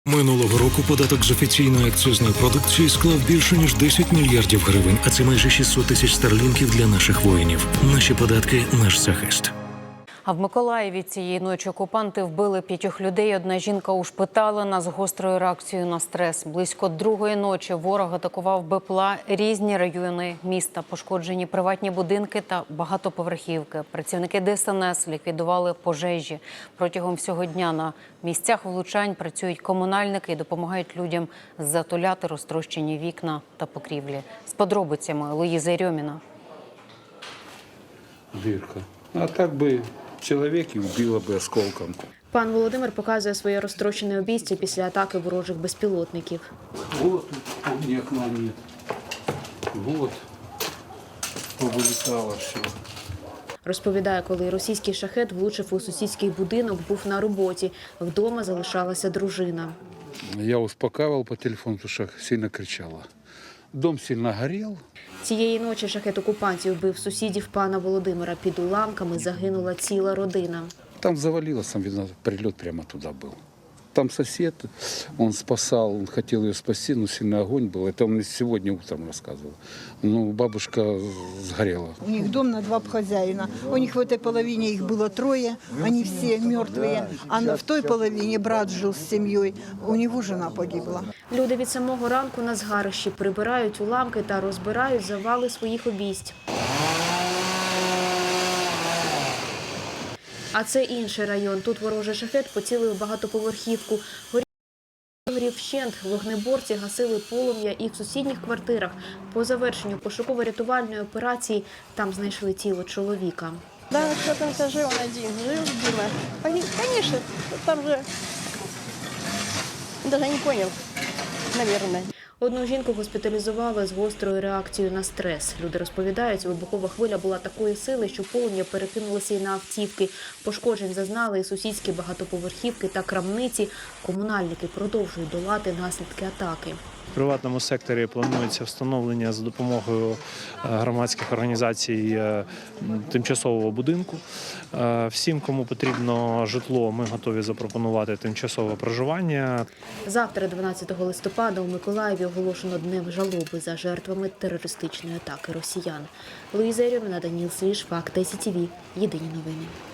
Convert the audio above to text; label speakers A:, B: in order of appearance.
A: Минулого року податок з офіційної акцизної продукції склав більше, ніж 10 мільярдів гривень, а це майже 600 тисяч старлінків для наших воїнів. Наші податки – наш захист.
B: А в Миколаєві цієї ночі окупанти вбили 5 людей. Одна жінка ушпиталена з гострою реакцією на стрес. Близько 2-ї ночі ворог атакував БПЛА різні райони міста. Пошкоджені приватні будинки та багатоповерхівки. Працівники ДСНС ліквідували пожежі. Протягом всього дня на місцях влучань працюють комунальники і допомагають людям затуляти розтрощені вікна та покрівлі. З подробицями Луїза Єрьоміна.
C: Дирка. А так би чоловік і вбило би осколком.
D: Пан Володимир показує своє розтрощене обійстя після атаки ворожих безпілотників.
C: Вот у меня окна нет. Вот. Повилітало все.
D: Розповідає, коли російський шахет влучив у сусідський будинок, був на роботі. Вдома залишалася дружина.
C: Я успокаивал по телефону, потому что сильно кричала. Дом сильно горел.
D: Цієї ночі шахет окупантів вбив сусідів пана Володимира. Під уламками загинула ціла родина.
C: Там завалилось, там, видно, прилет прямо туда был. Там сосед, он спасал, он хотел ее спасти, но сильный огонь был. Это он мне сегодня утром рассказывал. Ну, бабушка сгорела.
E: У них дом на 2 хозяина. У них в этой половине их было 3, они все мертвые. А в той половине брат жил с семьей, у него жена погибла.
D: Люди від самого ранку на згарищі прибирають уламки та розбирають завали своїх обійсть. А це інший район. Тут ворожий шахет поцілив багатоповерхівку. Горів вщент. Вогнеборці гасили полум'я і в сусідніх квартирах. По завершенню пошуково-рятувальної операції там знайшли тіло чоловіка.
F: Да, кто-то жил один, жил, Дима. Конечно, там же даже не понял, наверное.
D: Одну жінку госпіталізували з гострою реакцією на стрес. Люди розповідають, вибухова хвиля була такої сили, що полум'я перекинулося і на автівки. Пошкоджень зазнали і сусідські багатоповерхівки та крамниці. Комунальники продовжують долати наслідки атаки.
G: В приватному секторі планується встановлення за допомогою громадських організацій тимчасового будинку. Всім, кому потрібно житло, ми готові запропонувати тимчасове проживання.
D: Завтра, 12 листопада, у Миколаєві оголошено Днем жалоби за жертвами терористичної атаки росіян. Луїза Єрьоміна, Даніл Свіж, Факти СІТВ. Єдині новини.